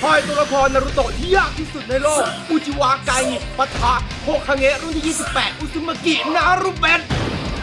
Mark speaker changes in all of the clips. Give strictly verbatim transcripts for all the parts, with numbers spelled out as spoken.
Speaker 1: ทอยตัวละครนารูโตะที่ยากที่สุดในโลกอุจิวาไกปะทะโฮคาเงะรุ่นที่ยี่สิบแปดอุซุมากินารุเบะ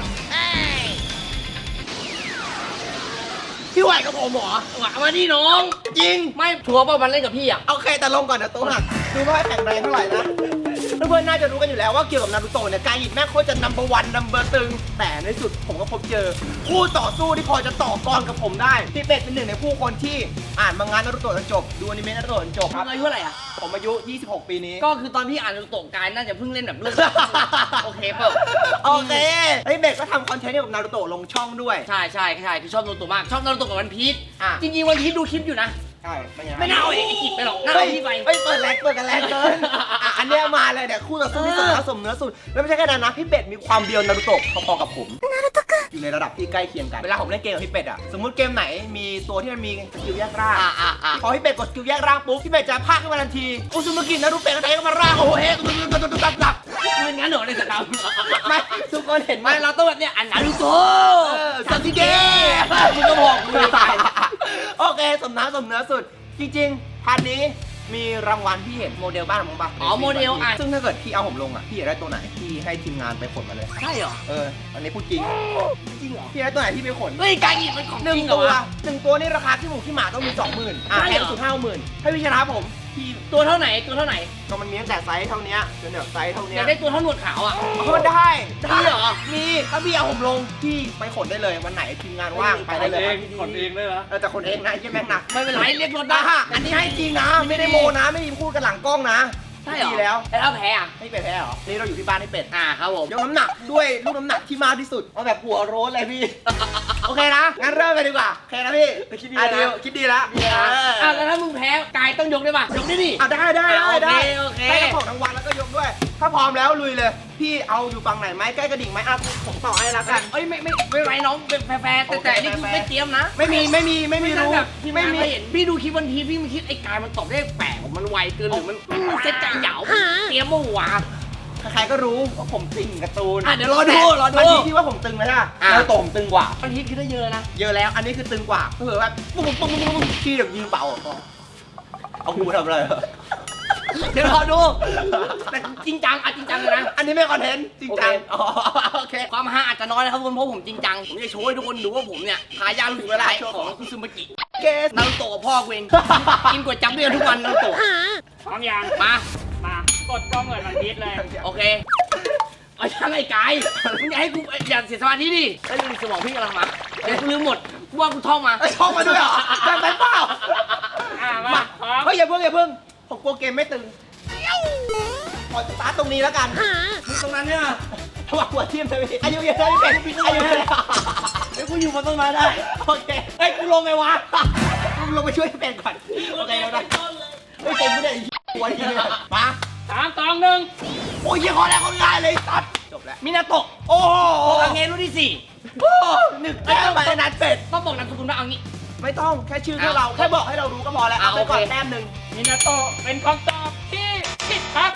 Speaker 1: พี่ไหวกับผมเหรอ
Speaker 2: หวะมาดิน้อง
Speaker 1: จริง
Speaker 2: ไม่ชัวร์ป่ะมันเล่นกับพี่อ่ะ
Speaker 1: โอเคแต่ลงก่อนนะตัวหักดูว่าแข็งแรงเท่าไหร่นะเพื่อนๆน่าจะรู้กันอยู่แล้วว่าเกี่ยวกับนารูโตะเนี่ยการหยิบแม่โคตรจะนัมเบอร์วันนัมเบอร์ตึงแต่ในสุดผมก็พบเจอคู่ต่อสู้ที่พอจะต่อกรกับผมได้พี่เป็ดเป็นหนึ่งในผู้คนที่อ่านมังงะนารูโตะจนจบดูอนิเมะนารูโตะจนจบครับ
Speaker 2: อายุเท่าไหร่อ่ะ
Speaker 1: ผมอายุยี่สิบหกปีนี้
Speaker 2: ก็คือตอนพี่อ่านนารูโตะกายน่าจะเพิ่งเล่นแบบเรื่อง โอเคเปล่า
Speaker 1: โอเคไอ้เบ็ดก็ทำคอนเทนต์เกี่ยวกับนารูโตะลงช่องด้วย
Speaker 2: ใช่ใช่ใช่คือชอบนารูโตะมากชอบนารูโตะกับวันพีช
Speaker 1: อ่ะ
Speaker 2: จริงๆวันพีชดูคลิปอยู่นะ
Speaker 1: ใช่ไม่ไง
Speaker 2: ไม่น่าเอาไอ้กิจไปหรอกน่าเอาพี่ไป
Speaker 1: เฮ้ยเปิดแรงเปิดกันแรงเกินอ่ะอันเนี้ยมาเลยเนี่ยคู่ต่อสู้ที่สมน้ำสมเนื้อสุดแล้วไม่ใช่แค่นั้นนะพี่เป็ดมีความเบียวนารูโตะพอๆกับผมอยู่ในระดับที่ใกล้เคียงกันเวลาผมเล่นเกมกับพี่เป็ดอ่ะสมมติเกมไหนมีตัวที่มันมีสกิลแยกร่าง
Speaker 2: อ่ะอ่ะอ่ะ
Speaker 1: พอพี่เป็ดกดสกิลแยกร่างปุ๊บพี่เป็ดจะพากขึ้นมาทันทีอุซุมากินารูเป็ดก็ไถเข้ามาร่างโอ้โหเฮ้ยตุ๊บตุ๊บตุ๊บตุ๊บตุ๊บตุ๊บ
Speaker 2: เป็นงั้นเหรอในสนาม
Speaker 1: ไม่ทุกคนเห็นไหม
Speaker 2: ไม่เราต้องแบบเนี้ยอันนารูโตะ
Speaker 1: ซาซิเกะ
Speaker 2: มึงก็บอกกูเลยตาย
Speaker 1: โอเคสมน้ำสมเนื้อสุดจริงๆพาร์ทนี้มีรางวัลพี่เห็นโมเดลบ้านของผมปะ
Speaker 2: อ๋อโมเดลอ่ะ
Speaker 1: ซึ่งถ้าเกิดพี่เอาผมลงอ่ะพี่อยากได้ตัวไหนพี่ให้ทีมงานไปขนมาเลย
Speaker 2: ใช่เหรอ
Speaker 1: เอออันนี้พูดจริง
Speaker 2: จริงเหรอ
Speaker 1: พี่ได้ตัวไหนพี่ไปขน
Speaker 2: เฮ้ยกายหยิบมันของ
Speaker 1: หนึ่
Speaker 2: จ
Speaker 1: ง
Speaker 2: ริงเหร
Speaker 1: ตั
Speaker 2: อ
Speaker 1: ว
Speaker 2: วะ
Speaker 1: หนึ่งตัวนี่ราคาที่หมูที่หมาต้องมีสองหมื่นอ่ะ
Speaker 2: ใช่
Speaker 1: แพ
Speaker 2: เหรอ
Speaker 1: งสุดห้าหมื่นถ้าพี่ชนะผมพี่
Speaker 2: ตัวเท่าไหนตัวเท่าไหน
Speaker 1: ก็มันมีตั้งแต่ไซส์เท่านี้จนแบบไซส์เท่า
Speaker 2: อ
Speaker 1: นี้
Speaker 2: ยากได้ตัวเท่าหนวดขาวอ่ะ
Speaker 1: ก็ได้ได้
Speaker 2: มีเหรอ
Speaker 1: มีถ้าพี่เอาผมลงพี่ไปขนได้เลยวันไหนทีมงานว่างไปได้เลย
Speaker 3: ขนเองเลยเหรอ
Speaker 1: เออแต่ขนเองนะไอ้เหี้ยแม่งหนัก
Speaker 2: ไม่เป็นไรเรียกรถ
Speaker 1: นะ
Speaker 2: ได้
Speaker 1: ฮะอันนี้ให้จริงนะไม่ได้โมนะไม่มีพูดกันหลังกล้องนะ
Speaker 2: ใช่เหรอ
Speaker 1: ดีแล้ว
Speaker 2: แล้วถ้าแพ้อ่ะ
Speaker 1: ไม่เป็ดแพ้เหรอนี่เราอยู่ที่บ้านให้เป็ด
Speaker 2: อ่าครับผม
Speaker 1: ยกน้ำหนักด้วยลูกน้ำหนักที่มากที่สุดเอาแบบหัวโร้นเลยพี่ โอเคนะงั้นเริ่มกันดีกว่าโอเคนะพี่
Speaker 2: คิดดี
Speaker 1: อ่ะ
Speaker 2: นะ
Speaker 1: เดียวคิดดีแล้ว
Speaker 2: อ่า
Speaker 1: เออ
Speaker 2: อ่ะแล้วถ้ามึงแพ้กายต้องยกได้ป่ะยกได้ดิ
Speaker 1: อ่ะได้ได้ได้
Speaker 2: อ่ะ
Speaker 1: ได้
Speaker 2: โอเค
Speaker 1: ได้กระของรางวัลแล้วก็ยกด้วย ถ้าพร้อมแล้วลุยเลย พี่เอาอยู่ฝั่งไหนไหมใกล้กระดิ่งไหมอ่ะผมต่อให้แล้วกัน
Speaker 2: เอ้ยไม่ไม่ไม่เป็นไรน้องเป็นแฟร์ๆแต่แต่นี่คือไม่เตรียมนะ
Speaker 1: ไม่มีไม่มีไม่มี
Speaker 2: ไม่
Speaker 1: รู้
Speaker 2: แบบพี่
Speaker 1: ไม่
Speaker 2: ไม่
Speaker 1: มี
Speaker 2: เห็นพี่ดูคลิปวันทีพี่ไม่คิดไอ้กายมันตอบได้แปลกมันไวเกินหรือมันเซ็ตใจเหยาเตรียมเมื่อวาน
Speaker 1: ใครๆก็รู้ว่าผมตึงการ์ตูน
Speaker 2: อ่ะเดี๋ยวรอดูรอดู
Speaker 1: อันนี้พี่ว่าผมตึงไหมล่ะ
Speaker 2: อ่ะ
Speaker 1: แล้วโตผมตึงกว่า
Speaker 2: วันทีคือได้เยอะนะ
Speaker 1: เยอะแล้ว อันนี้คือตึงกว่าก็คือแบบปุ๊บปุ๊บปุ๊บปุ๊บพี่แบบยิงเป่าอ่ะเอากูทำอะไรเหรอ
Speaker 2: เดี๋ยวรอดูแต่จริงจังอ่ะจริงจังเลยนะ
Speaker 1: อันนี้ไม่คอนเทนต์จริงจัง
Speaker 2: โอเค
Speaker 1: อ๋อโอเค
Speaker 2: ความฮาอาจจะน้อยนะครับทุกคนเพราะผมจริงจังผมจะโชว์ให้ทุกคนดูว่าผมเนี่ยทายาทลูกหลานของคุซึมากิ
Speaker 1: เกส
Speaker 2: นารูโตะกับพ่อกูเองกินก๋วยจั๊บด้วยกันทุกวันนารูโตะ
Speaker 3: พร้อมยัง
Speaker 2: มา
Speaker 3: มากดกล้องเลยมันพีดเลย
Speaker 2: โอเคเอายังไงกายมึงอย่าให้กูอย่าเสียสมาธิดิไอ้ลืมสมองพี่กำลังมาเดี๋ยวกูลืมหมดกูว่ากูท่องมา
Speaker 1: ไอ้ยท่องมาด้วยเหรอจำเป็นเปล่า
Speaker 3: อ่ามา
Speaker 1: มา
Speaker 3: พร้อม
Speaker 1: เฮ้ยอย่าเพิ่งอย่าเพิ่งผมกลัวเกมไม่ตึงขอสตาร์ทตรงนี้แล้วกัน
Speaker 2: มึงตรงนั้นเนี่ย
Speaker 1: ระหว่างหัวทีมเลยพี่อายุเยอะเลยพี่เป็นอายุเยอะ
Speaker 2: ไอ้กูอยู่มาต้นไม้ได้
Speaker 1: โอเค
Speaker 2: ไอ้ยกูลงไงวะ
Speaker 1: มึงลงไปช่วยเป็นก่อนโอเคแล้วนะเฮ้ยเกมไม่ได้หัวทีมเลยมา
Speaker 3: สามสองหนึ่ง
Speaker 1: โอ้ยยี่ห้อแรกคนง่ายเลยตัดจบแล้ว
Speaker 2: มินาโตะ
Speaker 1: โอ้โห
Speaker 2: โอคาเงะรุ่นที่สี่
Speaker 1: โอ้หนึ่งแต้มไปนัดเป็ด
Speaker 2: ต้องบอกนามสกุลว่าเอางี้
Speaker 1: ไม่ต้องแค่ชื่อแค่เราแค่บอกให้เรารู้ก็พอแล้ว
Speaker 2: อ่ะ
Speaker 1: เอาไปก่อน
Speaker 2: โอเค
Speaker 1: แต้มหนึ่ง
Speaker 3: มินาโตะเป็นคำตอบที่ผิดครับ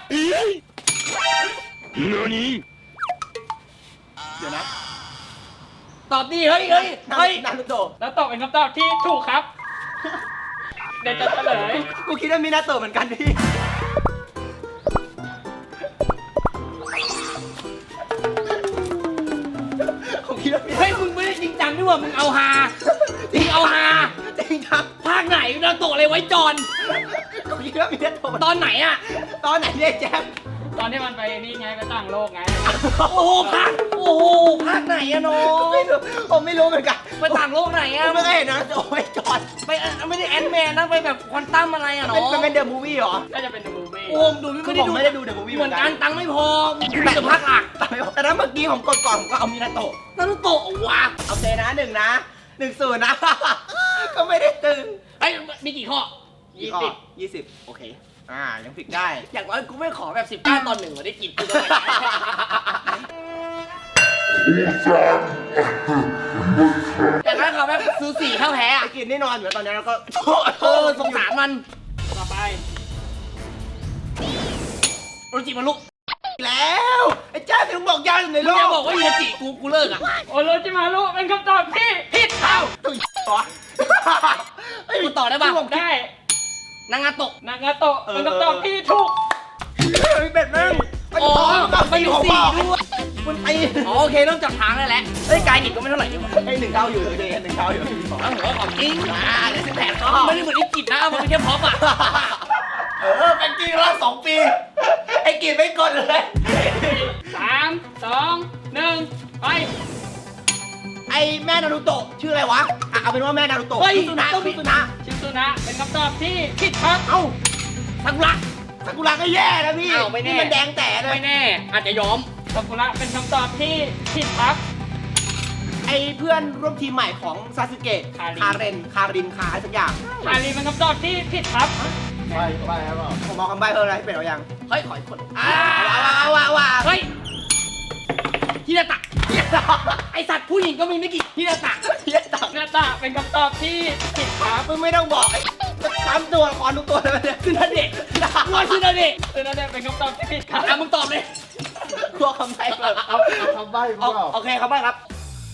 Speaker 1: เดี๋ยวนะ
Speaker 2: ตอบดีเฮ้ยเฮ้ยเฮ้ย
Speaker 1: นารูโตะ
Speaker 3: แล้วตอบเป็นคำตอบที่ถูกครับ เดี๋ยวจะเฉลย
Speaker 1: กูคิดว่ามีนาโตะเหมือนกันพี่ผมคิดว่ามี
Speaker 2: เฮ้ยมึงไม่ได้จริงจังด้วยว่ะมึงเอาฮาจริงเอาฮา
Speaker 1: จริงครับ
Speaker 2: ภาคไหนนาโตะอะไรไว้จอน
Speaker 1: ผมคิดว่ามีนาโตะ
Speaker 2: ตอนไหนอะ
Speaker 1: ตอนไหนเนี่ยแจ๊บ
Speaker 3: ตอนที่มันไปนี่ไงไปต่างโลกไง
Speaker 2: โอ้โหภาคโอ้โหภาคไหนอะน้อง
Speaker 1: ไม่รู้ผมไม่รู้เหมือนกัน
Speaker 2: ไปต่างโลกไหน
Speaker 1: ผ
Speaker 2: อะ
Speaker 1: มไม่เคยเห็นนะโอ้ยจอด
Speaker 2: ไปเอ่อไม่ได้แอนด์แมนนะไปแบบควอนตัมอะไรอะน้
Speaker 1: เป็น
Speaker 2: อง
Speaker 1: มันเป็นเดอะมูฟวี่เหรอ
Speaker 3: ก็จะเป็น The Movie
Speaker 2: โอ้มดูไม่
Speaker 1: คือ
Speaker 2: ได้
Speaker 1: ผม
Speaker 2: ดู
Speaker 1: ไม่ได้ดู The Movie
Speaker 2: เหมือนกัน
Speaker 1: เหมือนกัน
Speaker 2: ตังค์ไม่พอดูแต่ภาคหลัก
Speaker 1: แต่ถ้าเมื่อกี้ผมกดก่อนผมก็เอามีนาโตะ
Speaker 2: นารูโตะว่ะ
Speaker 1: โอเคนะหนึ่งนะหนึ่งศูนย์นะ ก็ไม่ได้ตึง
Speaker 2: เฮ้ยมีกี่ข้อ
Speaker 1: ยี่สิบยี่สิบโอเคอ่ายังผิดได้
Speaker 2: อย่างน้อยกูไม่ขอแบบสิบเก้าตอนหนึ่งมาได้กินกูจะไปไหนแต่ถ้าเขาแบบซื้อสี่เข้าแพ้
Speaker 1: ไอ้
Speaker 2: อะ
Speaker 1: กินนี่นอนอยู่แล้วตอนนี้แล้วก็
Speaker 2: เออสงสารมัน
Speaker 3: ต่อไป
Speaker 2: โอจิมาลุก
Speaker 1: แล้วไอ้เจ้าถึงบอกยากอยู่ใน
Speaker 2: มึ
Speaker 1: โล
Speaker 2: ง
Speaker 1: ก
Speaker 2: จะบอกว่ายูจิกูกูเลิกอ่ะ
Speaker 3: โอโรจิมารุเป็นคำตอบที่ผิดครับ
Speaker 1: ตุ้ยเหรอ
Speaker 2: กูต่อได้ป่ะ
Speaker 1: ที่ผมคิด
Speaker 3: ได้
Speaker 2: นางาโตะ
Speaker 3: นางาโตะเป็นคำตอบที่ถูก
Speaker 1: เฮ้ยเป็ดแม่ง
Speaker 2: อ๋อ
Speaker 1: ไปอยู่ของ
Speaker 2: สี่
Speaker 1: พ่อ
Speaker 2: ด้วย
Speaker 1: คุณตี
Speaker 2: อ๋อโอเคเริ่มจับทางได้แล้วเอ้ยกายหนิดก็ไม่เท่าไหร่นี่หว่า
Speaker 1: ไอ้หนึ่งเท่าอยู่เดย์หนึ่งเท่าอยู่
Speaker 2: อ้าวหัวของจริง
Speaker 1: อ่าเดี๋ยวสิบแปดก็
Speaker 2: ไม่ได้เหมือนไอ้กิจนะมันเป็นแค่พ็อปอ่ะ
Speaker 1: เออเป็นจริงแล้วสองปี ไอ้กินไม่กดเลย
Speaker 3: สามสองหนึ่งไป
Speaker 1: ไอ้แม่นารูโตะชื่ออะไรวะอ่ะเอาเป็นว่าแม่นารูโตะ
Speaker 2: เฮ้ย
Speaker 1: มิซุนะ
Speaker 2: ต้องมี
Speaker 1: มิซุนะ
Speaker 3: ชิซุนะเป็นคำตอบที่ผิดครับ
Speaker 1: เอ้า
Speaker 2: ซากุระ
Speaker 1: ซากุระก็แย่นะพี่
Speaker 2: อ้าวไม่แน่
Speaker 1: นี่มันแดงแต่เลย
Speaker 2: ไม่แน่ อาจจะยอม
Speaker 3: ซากุระเป็นคำตอบที่ผิดครับ
Speaker 1: ไอ้เพื่อนร่วมทีมใหม่ของซาสึเกะ
Speaker 3: คาริน
Speaker 1: คาเรนคารินคาอะไรสักอย่าง
Speaker 3: อาลีเป็นคำตอบที่ผิดครับ
Speaker 4: ไปไปครับผม
Speaker 1: ผมเอาคำใบ้เพิ่มอะไรให้เป็นเอายัง
Speaker 2: เฮ้ย ขออีกคน
Speaker 1: อ่าว้าวว้าวว้าว
Speaker 2: เฮ้ยฮินาตะไอสัตว์ผู้หญิงก็มีไม่กี่ฮินาตะ
Speaker 1: เฮียตัก
Speaker 3: หน้าตาเป็นคำตอบที่ผิดครับ
Speaker 1: มึงไม่ต้องบอกไอ้ซ้ำตัวละครทุกตัวเลยเนี่ย
Speaker 2: คือนาเดะงอยคือนาเดะ
Speaker 3: เออนั่นแหละเป็นคำตอบที่ผิดครับ
Speaker 2: อ่ะมึงตอบเลย
Speaker 1: กลัวคำใบ้เพิ่ม
Speaker 4: เอาเอาคำใบ้พว
Speaker 1: เอา
Speaker 4: กเรา
Speaker 1: โอเคครับใบ้ครับ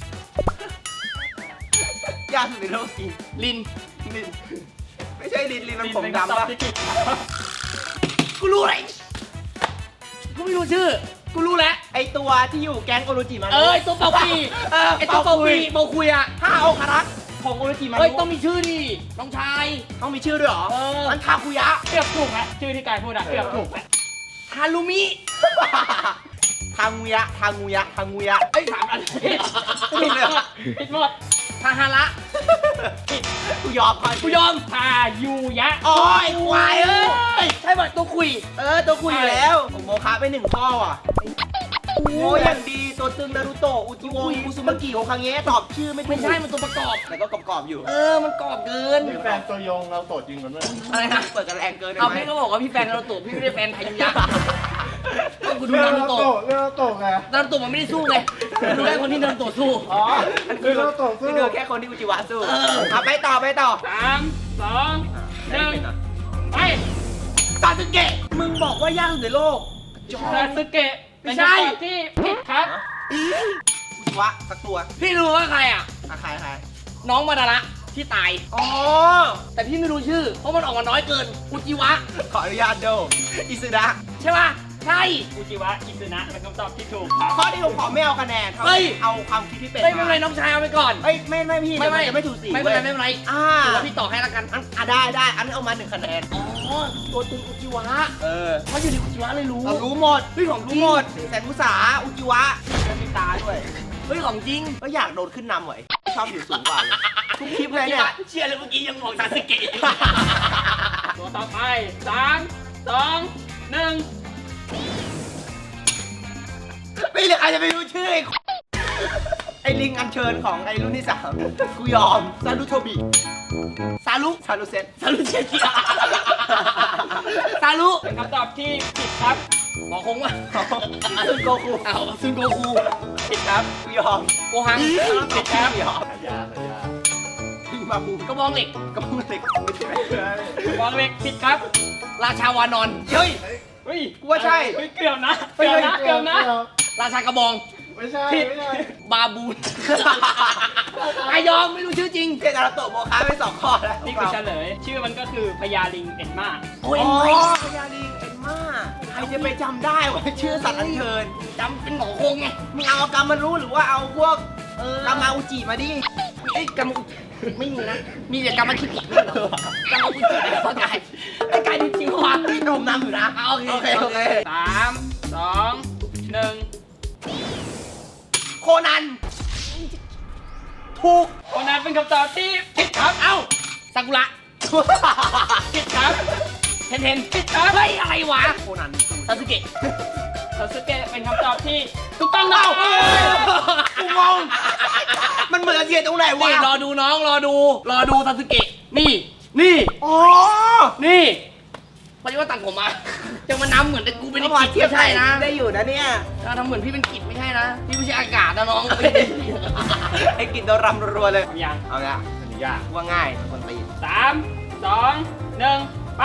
Speaker 1: ยากสุดในโลกจริง
Speaker 2: ลิน
Speaker 1: ลินไม่ใช่ลินลินมันผม
Speaker 3: เป็นคำต
Speaker 1: ดำ
Speaker 3: อบ
Speaker 1: ปะ
Speaker 3: ที่ผิดครับ
Speaker 2: กูรู้อะไรกูไม่รู้ชื่อ กูรู้แล้ว
Speaker 1: ไอตัวที่อยู่แก๊งโอโรจิมัน
Speaker 2: เออไอตัวเปาปี
Speaker 1: เออ
Speaker 2: ไอตัวเปาปีเปาคุยอ่ะ
Speaker 1: ห้าองคารักษ์ของโอโรจิมัน
Speaker 2: เฮ้ย ต้องมีชื่อดิน้องชาย
Speaker 1: ต้องมีชื่อด้วยเหรอ
Speaker 2: เออ
Speaker 1: มันทาคุยะ
Speaker 3: เกือบถูกแล้วชื่อที่กายพูดอะเกือบถูกแล้ว
Speaker 2: ฮารุมิ
Speaker 1: ทางูยะทางูยะทางูยะ
Speaker 2: ไอ้ยสามอัน
Speaker 3: ผิด
Speaker 1: ผิดเลยเหรอ
Speaker 3: ผิดหมด
Speaker 2: ทาฮาระ
Speaker 1: กูยอมก่อน
Speaker 2: กูยอม
Speaker 3: ทายูยะ
Speaker 1: โอ้ยควายเอ้ย
Speaker 2: ใช่ป่ะตัวคุย
Speaker 1: เออตัวคุยอยู่แล้วผมโมคะไปหนึ่งข้อว่ะโอ้ยอย่างดีตัวตึงนารูโตะอุจิโงอุซุมากิโอคังเงะตอบชื่อไม่ถูก
Speaker 2: ไม่ใช่ มันตัวประกอบ
Speaker 1: แต่ก็กรอบๆอยู่
Speaker 2: เออ มันกรอบเกิน
Speaker 4: มีแฟนตัวยงเราโตจริงกันด้วย
Speaker 2: อะไรนะ
Speaker 1: เปิดกันแรงเกินได้
Speaker 2: เอา
Speaker 1: ไหม
Speaker 2: พี่ก็บอกว่าพี่แฟนนารูโตะพี่ไม่ได้แฟนไทยุยะก็กูดู
Speaker 4: เรื่อ
Speaker 2: นาง รู
Speaker 4: เรา
Speaker 2: โตะ
Speaker 4: โตเรื่องเราโตไง
Speaker 2: นารูโตะมันไม่ได้สู้ไงดูแค่คนที่นารูโตะสู้
Speaker 4: อ๋อคือเราโตสู้
Speaker 1: นี่คือแค่คนที่อุจิวะสู้
Speaker 2: เออ
Speaker 1: เอาไปต่อไปต่อ
Speaker 3: สามสองหนึ่งไป
Speaker 1: ซาสึเกะมึงบอกว่ายากสุดในโลก
Speaker 3: ซาสึเกะเป็น
Speaker 2: ไม่ใช่
Speaker 3: คำตอบที่ผิดครับ
Speaker 1: อุจิวะสักตัว
Speaker 2: พี่รู้ว่าใครอ่ะ
Speaker 1: อะใครใคร
Speaker 2: น้องมาดาระที่ตาย
Speaker 1: อ๋อ
Speaker 2: แต่พี่ไม่รู้ชื่อ เพราะมันออกมาน้อยเกิน อุจิวะ
Speaker 1: ขออนุญาตโดอิซึดะ
Speaker 2: ใช่ป่ะ ใช่
Speaker 3: อุจิวะอิซึนะเป็นคำตอบที่ถูกครับ
Speaker 1: ข้อที่ผมขอไม่เอาคะแนนครับ
Speaker 2: เฮ้ย
Speaker 1: เอาความคิดที่เป็น
Speaker 2: เฮ้ยไม่เป็นไรน้องชายเอาไปก่อน
Speaker 1: เอ้ยไม่ไม่พี่
Speaker 2: ไม่ไม่
Speaker 1: เดี๋ยวจะไม่ถูกสี
Speaker 2: ไม่เป็นไร
Speaker 1: ว้ย
Speaker 2: ไม่เป็นไร
Speaker 1: อ่า
Speaker 2: ถือว่าพี่ต่อให้ละกัน
Speaker 1: อันอ่ะได้ได้อันนั้นเอามาหนึ่งคะแนน
Speaker 2: อ๋อ ตัวตึงอุจิวะ
Speaker 1: เออ
Speaker 2: เขาอยู่ในอุจิวะเลยรู้
Speaker 1: เรารู้หมด
Speaker 2: เฮ้ยของจ
Speaker 1: รู้
Speaker 2: ริง
Speaker 1: หมดแสนมุสาอุจิวะมีตาด้วย
Speaker 2: เฮ้ยของจริง
Speaker 1: ก็อยากโดนขึ้นนำไว้ชอบอยู่สูงกว่าเลยทุกคลิปเลยเนี่ย
Speaker 2: เชียร์เลยเมื่อกี้ยังบอกซาสึเกะ
Speaker 3: ตัวต่อไปสามสองหนึ่ง
Speaker 1: ไม่เหลือใครจะไปรู้ชื่อไอ้ไอ้ลิงอัญเชิญของไอ้รุ่นที่สามกูยอมซารุโทบิ
Speaker 2: ซารุ
Speaker 1: ซารุเซน
Speaker 2: ซารุเชคิซารุ
Speaker 3: เป็นคำตอบที่ผิดครับ
Speaker 2: บอกคงว่า
Speaker 1: ซึนโกคู
Speaker 2: เอาซึนโกคู
Speaker 1: ผิดครับกูยอม
Speaker 2: โกหัง
Speaker 1: ผิดครับยอม
Speaker 4: ยาเลยยา
Speaker 1: พิงมาบู
Speaker 2: กระบองเหล็ก
Speaker 1: ก็มึงเล็กไม่ใช่
Speaker 3: วางเล็กผิดครับ
Speaker 2: ราชาวานอน
Speaker 1: เฮ้ย
Speaker 3: เฮ้ย
Speaker 1: กูว่าใช่
Speaker 3: เฮ้ยเกือบนะเกือบนะเกือบนะ
Speaker 2: ราชากระบอง
Speaker 4: ไม่ใช่
Speaker 3: ผิด
Speaker 4: ไม่ใช่
Speaker 2: บาบูนไอยอมไม่รู้ชื่อจริง
Speaker 1: เทนาราโตะโมคาไปสองข้อแล้ว
Speaker 3: นี่คือเฉลย ชื่อมันก็คือพญาลิงเอ็นมา
Speaker 2: โอ้ย
Speaker 1: อ๋อพญาลิงเอ็นมาใครจะไปจำได้ว่าชื่อสัตว์อัญเชิญ
Speaker 2: จำเป็นหมอคงไง
Speaker 1: มึงเอากามารู้หรือว่าเอาพวก
Speaker 2: เออก
Speaker 1: ามาอุจิมาดิ
Speaker 2: ไอ้ยกำอุไม่มีนะ มีแต่กำมาคิดอีกกำมาอุจิไอ้ข้อกายไอ้กายจริงๆว่ะ
Speaker 1: พี่หนุ่มนำอยู่นะ
Speaker 2: อ่ะโอเค
Speaker 1: โอเคโอเค
Speaker 3: สามสองหนึ่ง
Speaker 1: โคนัน ถูก
Speaker 3: คนนั้นเป็นคำตอบที่ผิดครับ
Speaker 2: เอ้าซากุระ
Speaker 3: ผิดครับ
Speaker 2: เทนเทน
Speaker 3: ผิดครับ
Speaker 2: เฮ้ยอะไรวะ
Speaker 1: โคนัน
Speaker 2: ซาสึเกะ
Speaker 3: ซาสึเกะเป็นคำตอบที่ถูกต้องนะ
Speaker 1: เอ้า กูงง มันเหมือนเสียตรงไหนวะ
Speaker 2: นี่รอดูน้องรอดู รอดูซาสึเกะ นี่ นี่
Speaker 1: อ๋อ
Speaker 2: นี่พอดีว่าตัดผมมาจะมานำเหมือนแต่กูเป็น
Speaker 1: ก็
Speaker 2: ไอ้
Speaker 1: พอ
Speaker 2: กิจ
Speaker 1: เทียบ
Speaker 2: ไม่ใช่นะ
Speaker 1: ได้อยู่นะเนี่ย
Speaker 2: ถ้าทำเหมือนพี่เป็นกิจไม่ใช่นะ พี่ไม่ใช่อากาศนะน้อง
Speaker 1: ไอ้กินโดนรำรัวๆเลย
Speaker 3: ยัง
Speaker 1: เอาละ
Speaker 4: อันนี้ยาก
Speaker 1: ว่าง่ายคนตีน
Speaker 3: สามสองหนึ่งไป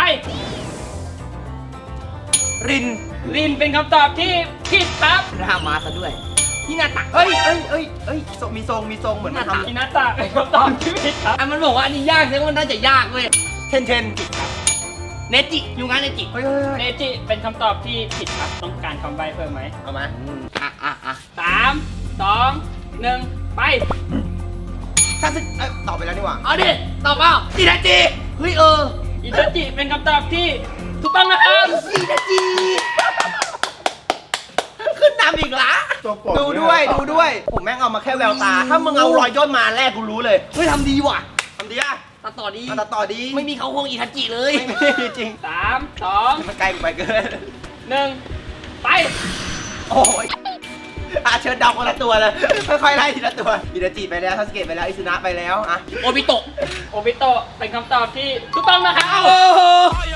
Speaker 1: ริน
Speaker 3: ลินเป็นคำตอบที่ผิดครับ
Speaker 2: รามาซะด้วย พี่นาตัก
Speaker 1: เอ้ยเอ้ยเอ้ยเอ้ยทรงมีทรงมีทรงเหมือนมันท
Speaker 3: อินาตะเป็นคำตอบที่ผิดครับ
Speaker 2: อ่ะมันบอกว่าอันนี้ยากแสดงว่ามันน่าจะยากเว้ย
Speaker 1: ำเทนเทนผิดครับ
Speaker 2: เนจิยูงานเนจิ
Speaker 1: เฮ้ยเฮ้ย
Speaker 3: เนจิเป็นคำตอบที่ผิดครับต้องการคำใบ้เพิ่มไหม
Speaker 1: เอามา
Speaker 2: อ่ะอ่ะอ่ะ
Speaker 3: สามสองหนึ่งไป
Speaker 1: ถ้าซึเอ้ยตอบไปแล้วนี่หว่า
Speaker 2: เอาดิตอบเปล่า
Speaker 1: อินาจิ
Speaker 2: เฮ้ยเออ
Speaker 3: อิตาจิเป็นคำตอบที่ถูกต้องนะครับ
Speaker 1: อินาจิขึ้นนำอีกละ
Speaker 4: ตัวโปรด
Speaker 1: ดูด้วยดูด้วย ผมแม่งเอามาแค่แววตา ถ้ามึงเอารอยย่นมาแรกกูรู้เลย
Speaker 2: เฮ้ยทำดีว่ะ
Speaker 1: ทำดีอ่ะ
Speaker 2: ตัดต่อดี
Speaker 1: มาตัดต่อดี
Speaker 2: ไม่มีเขาคงอิทัจิเลย
Speaker 1: ไม่มีจริง
Speaker 3: สามสอง
Speaker 1: มันไกลกูไปเกิน
Speaker 3: หนึ่งไป
Speaker 1: โอ้ยอาเชิญเดาคนละตัวเลย ค่อยๆไล่ทีละตัวอินาจิไปแล้วทัสเกตไปแล้วอิซุนะไปแล้วอะ
Speaker 2: โอบิโตะ
Speaker 3: โอบิโตะเป็นคำตอบที่ถูกต้องนะครับ
Speaker 1: โอ้โห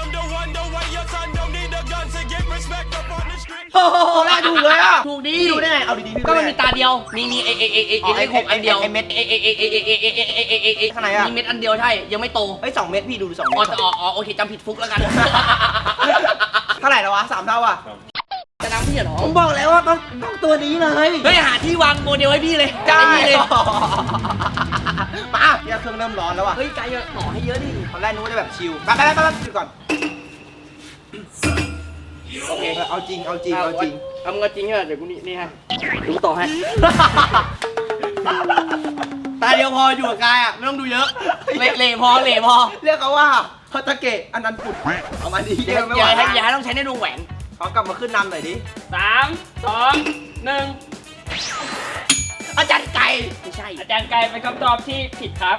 Speaker 1: โอ้โหแรกถูกเลยอ่ะ
Speaker 2: ถูกดี
Speaker 1: พี่ดูได้ไง เอาดีๆพี่
Speaker 2: ก็
Speaker 1: ดู
Speaker 2: มัน
Speaker 1: ได้
Speaker 2: มี
Speaker 1: ไง
Speaker 2: ตาเดียว มีมีเอเอเอเอเอเลขหกอันเดียว
Speaker 1: ไอ้เม็ด
Speaker 2: เอเอเอเอเอเอเอเอเอเอเอเอ
Speaker 1: ข้างในอะ
Speaker 2: มีเม็ดอันเดียวใช่ ยังไม่โต
Speaker 1: เฮ้ยสองเม็ดพี่ดูสอง
Speaker 2: อ๋อ
Speaker 1: เม็ด
Speaker 2: จะอ๋ออ๋อโอเคจำผิดฟุกแล้วกัน
Speaker 1: เท่าไหร่แล้ววะสามเท่าอ่ะ
Speaker 2: จะน้ำพี่เหรอ
Speaker 1: ผมบอกแล้วว่าต้องต้องตัวนี้เลย
Speaker 2: เฮ้ยหาที่วางโมเดลให้พี่เลย
Speaker 1: ได้
Speaker 2: ไอ้นี่เลย
Speaker 1: มาเนี่ยเครื่องเริ่มร้อนแล้วอ่ะ
Speaker 2: เฮ้ยไกลเยอะต่อให้เยอะดิ
Speaker 1: ตอนแรกนึกว่าจะแบบชิลไปไปไปไปดูก่อน โอเคเอาจริงเอาจริงเอาจริง
Speaker 2: เอามึงเอาจริงเหรอเดี๋ยวกูนี่นี่ให้ดูต่อให้ ตาเดียวพออยู่กับกายอ่ะไม่ต้องดูเยอะ เละเละพอเละพอ
Speaker 1: เรียกเขาว่าฮอตเกะอันนั้นปุดเอามาดี
Speaker 2: อย่า
Speaker 1: เดี๋ยวไม่ไห
Speaker 2: อย่าว ให้
Speaker 1: นะ
Speaker 2: อย่าให้ต้องใช้ในดวงแหวน
Speaker 1: ขอกลับมาขึ้นนำหน่อยดิ
Speaker 3: สามสองหนึ่ง
Speaker 1: อาจารย์ไก่
Speaker 2: ไม่ใช่
Speaker 3: อาจารย์ไก่เป็นคำตอบที่ผิดครับ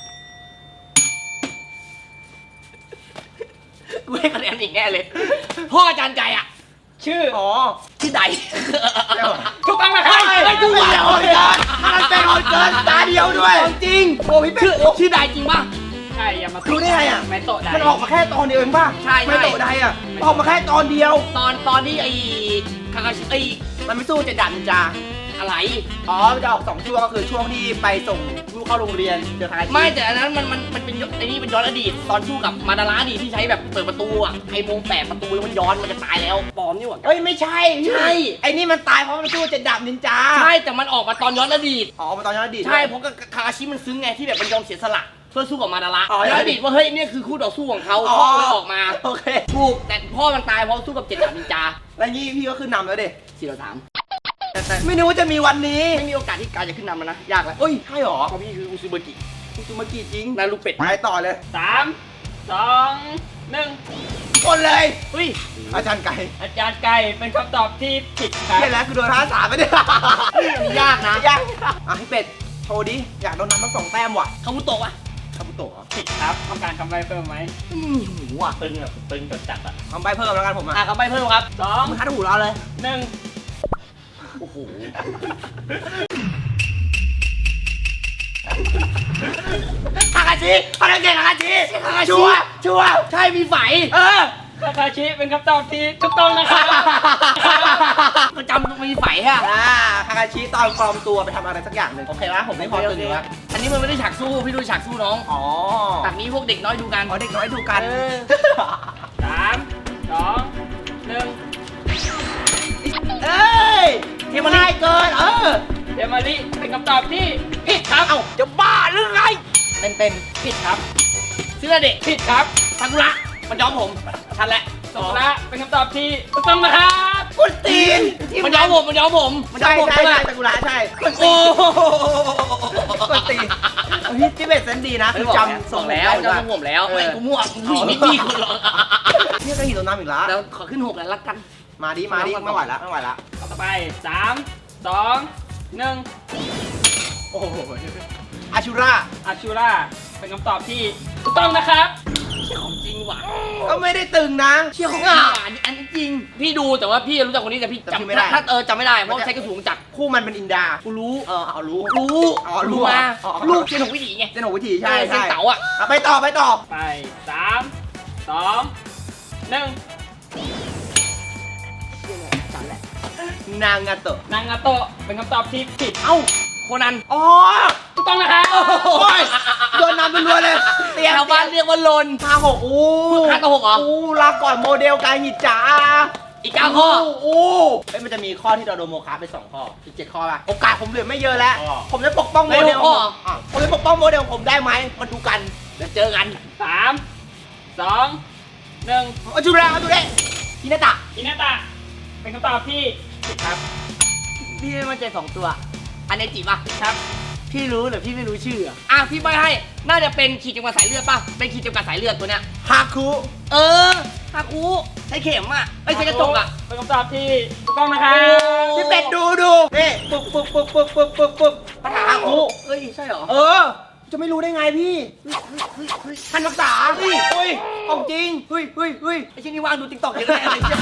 Speaker 2: กูให้คะแนนอีกแน่เลย พ่ออาจารย์ไก่อ่ะ
Speaker 3: ชื่อ
Speaker 1: อ๋อ
Speaker 2: ที่ใด
Speaker 1: เดี๋ยว
Speaker 3: ถูกต้องนะครับ
Speaker 1: เฮ้ยเฮ้ยดูว่าโหดเกินมันเป็นโหดเกินตาเดียวด้วย
Speaker 2: จริง
Speaker 1: โอ้พี่เป็
Speaker 2: ชื่อ
Speaker 1: ดโอ้
Speaker 2: ชื่อใดจริงป่ะ
Speaker 3: ใช่อย่ามา
Speaker 1: รู้ได้ไงอะ
Speaker 3: ไม่โตะได้
Speaker 1: มันออกมาแค่ตอนเดียวเองป่ะ
Speaker 2: ใช่ใช่
Speaker 1: ไม่โตได้อ่ะออกมาแค่ตอนเดียว
Speaker 2: ตอนตอนที่ไอ้คาคาชิไอ้
Speaker 1: มันไม่สู้เจะดันจา
Speaker 2: อะไร
Speaker 1: อ๋อมันจะออกสองช่วงก็คือช่วงที่ไปส่งลูกเข้าโรงเรียนเจอคาชิ
Speaker 2: ไม่แต่อันนั้นมันมันมันเป็นไอ้นี่เป็นย้อนอดีต ตอนสู้กับมาดาราอดีตที่ใช้แบบเปิดประตูอ่ะไอ้วงแปดประตูแล้วมันย้อนมันจะตายแล้วปลอมนี่หว่า
Speaker 1: เอ้ยไม่ใช่
Speaker 2: ใช่
Speaker 1: ไอ้นี่มันตายเพราะมันสู้เจะดับนินจา
Speaker 2: ใช่แต่มันออกมาตอนย้อนอดีต
Speaker 1: อ๋อมาตอนย้อนอดีต
Speaker 2: ใช่เพราะกับคาคาชิมันซึ้งไงที่แบบมันยอมเสียสละเพื่อสู้กับมาดารา
Speaker 1: อ๋อ
Speaker 2: ย้อนอดีตว่าเฮ้ยเนี่ยคือคู่ต่อสู้ของเขา
Speaker 1: อ๋อ
Speaker 2: พ่อเลยออกมา
Speaker 1: โอเค
Speaker 2: ถูกแต่พ่อมันตายเพราะสู้กับเจ็ดดาบนินจา
Speaker 1: แล้วนี่พี่ก็ขึ้นนำแล้วเด็
Speaker 2: สี่ต่อสามแต่แต่
Speaker 1: ไม่นึกว่าจะมีวันนี้
Speaker 2: ไม่มีโอกาสที่กายจะขึ้นนำแล้วนะยากแล้ว
Speaker 1: เอ้ยใช่หรอ
Speaker 2: เพราะพี่คืออุซุเบกิ
Speaker 1: คุณซูมากิจริง
Speaker 2: นารูเป็ด
Speaker 1: ไปต่อเลย
Speaker 3: สามสองหนึ่ง
Speaker 1: คนเลย
Speaker 2: เฮ้ย
Speaker 1: อาจารย์ไก่
Speaker 3: อาจารย์ไก่เป็นคำตอบที่ผิดครับ
Speaker 1: เห็นแล้วคือโดนท่าสามไปเนี่ย
Speaker 2: ยากนะ
Speaker 1: ยากอ่ะพี่เป็ดโชว์ดิอยากโดนน้ำทั้งสองแต้มว่ะ
Speaker 2: คาบุโตะวะ
Speaker 1: คาบุโตะเหรอ
Speaker 3: ผิดครับต้องการคำใบ้เพิ่มไหม
Speaker 2: อืมหูอ่ะ
Speaker 4: ตึงอ่ะตึงจัดจัดอ่ะ
Speaker 1: ทำใบเพิ่มแล้วกันผม
Speaker 2: อ่ะ
Speaker 1: อ่ะ
Speaker 2: เขาไปเพิ่มครับ
Speaker 3: สอง
Speaker 1: มึงทัดหูเราเลย
Speaker 3: หนึ่ง
Speaker 2: โอ้โห
Speaker 1: คาคาชิคาคาเกะคาคาชิชัวร์ชัวร์
Speaker 2: ใช่มีไฝ
Speaker 1: เออ
Speaker 3: คาคาชิเป็นคำตอบที่ถูกต้องนะครับ
Speaker 2: ก็จำมีไฝฮะ
Speaker 1: อ่าคาคาชิตอนปลอมตัวไปทำอะไรสักอย่างหนึ่งโอเคนะผมไม่พอตึงอยู่แล้ว
Speaker 2: อันนี้มันไม่ได้ฉากสู้พี่ดูฉากสู้น้อง
Speaker 1: อ๋อ
Speaker 2: ฉากนี้พวกเด็กน้อยดูกัน
Speaker 1: อ๋อเด็กน้อยดูกัน
Speaker 2: เออ
Speaker 3: สามสองหนึ่ง
Speaker 1: เอ้ยเทมันง่ายเกินเออ
Speaker 3: เดมาริเป็นคำตอบที่ผิดครับ
Speaker 1: เอ้าจะบ้าหรือไง
Speaker 2: เต็มเต็ม
Speaker 3: ผิดครับ
Speaker 2: ซื้อเด็ก
Speaker 3: ผิดครับ
Speaker 2: ซากุระมันย้อมผมชันแหละ
Speaker 3: สองละเป็นคำตอบที่ถูกต้องนะครับ
Speaker 1: กุนตีน
Speaker 2: มันย้อมผมมันย้อมผมมันย้อ
Speaker 1: ใช่
Speaker 2: มผม
Speaker 1: ใช่
Speaker 2: ใช่ไหม
Speaker 1: ใช่ตะกุระใช่กุน
Speaker 2: โอ้
Speaker 1: ตีนกุนตีนพี่ที่เบ็ดเซนดีนะคือจำ
Speaker 2: ส่งแล้วจำส่งผมแล้วไม่กูมั่วกูผู้หญิงไม่มีคนหรอก
Speaker 1: พี่ก็หินตัวน้ำอีกแล้ว
Speaker 2: แล้วขอขึ้นหกแล้วละกัน
Speaker 1: มาดิมาดิไม่ไหวแล้วไม่ไหวแล้ว
Speaker 3: ต่อไปสามสองหนึ่ง
Speaker 1: โอ้โหอาชูรา
Speaker 3: อาชูราเป็นคำตอบที่ถูกต้องนะครับ
Speaker 2: ของจริงว่ะ
Speaker 1: ก็ไม่ได้ตึงนะ
Speaker 2: เชี่ยของจริงว่ะอันนี้อันนี้จริง พี่ดูแต่ว่าพี่รู้จักคนนี้แต่พี่
Speaker 1: แต่พี่
Speaker 2: จำ
Speaker 1: ไม่ได้
Speaker 2: ถ้าเออจำไม่ได้เพราะใช้กระสุนจักร
Speaker 1: คู่มันเป็นอินดา
Speaker 2: กูรู้
Speaker 1: เออเอารู้
Speaker 2: รู้
Speaker 1: อ๋อรู้
Speaker 2: รู้มา
Speaker 1: อ๋ออ๋อ
Speaker 2: ลูกเชียนหกวิถีไง
Speaker 1: เจนหกวิธีใช่
Speaker 2: เออเชีย
Speaker 1: ใช่
Speaker 2: นเต๋าอ่ะ
Speaker 1: อ่ะไปต่อไปต่อ
Speaker 3: ไปสามสองหนึ่ง
Speaker 2: จันแหละ
Speaker 1: นางาโตะ
Speaker 3: นางาโตะเป็นคำตอบที่ผิด
Speaker 2: เอ้าโคนัน
Speaker 1: อ๋อ
Speaker 3: ถูกต้องนะครับ
Speaker 1: โอ้ยโดนนำไปรัวเลยเตรียม
Speaker 2: ชาวบ้านเรียกว่าลน
Speaker 1: ห้าหกอู้
Speaker 2: ห้ากับหกเหรอ
Speaker 1: อู้ลาก่อนโมเดลกายหิจ๋า
Speaker 2: อีกเก้าข้อ
Speaker 1: อู้เอ้ยมันจะมีข้อที่เราโดนโมคาไปสองข้ออีกเจ็ดข้อป่ะโอกาสผมเหลือไม่เยอะแล้ว ผมจะปกป้องโมเดลของผมอ่ะผมจะปกป้องโมเดลของผมได้ไหมมาดูกัน
Speaker 2: เดี๋ยวเจอกัน
Speaker 3: สามสองหนึ่ง
Speaker 1: เอาจูราเอาจูเรฮินาตะ
Speaker 3: อินาตะเป็นคำตอบที่ผิดครับ
Speaker 2: พี่ไม่มั่นใจสองตัว อันนี้จีบป่ะ
Speaker 3: ครับ
Speaker 2: พี่รู้หรือพี่ไม่รู้ชื่ออ่ะอ่ะพี่ใบให้ น่าจะเป็นขีดจำกัดสายเลือดป่ะ เป็นขีดจำกัดสายเลือดตัวเนี้ย
Speaker 1: ฮาคุ
Speaker 2: เออฮาคุใช้เข็มอ่ะไม่ใช่กระจกอ่ะ
Speaker 3: เป็นคำตอบที่ถูกต้องนะครับ
Speaker 1: พี่เป็ดดูดูนี่ปึ๊บปึ๊บปึ๊บปึ๊บปึ๊บปึ๊บปึ๊บปัญหาฮาคุ
Speaker 2: เฮ้ยใช่เหรอ
Speaker 1: เออ จะไม่รู้ได้ไงพี่ท่านรักษาเฮ้ยเฮ้ยของจริงเฮ้ยเฮ้ยเฮ้ย
Speaker 2: ไอ้ชิ้นนี้ว่างดูติ๊กต็อกเยอะแน่เลยเชี่ย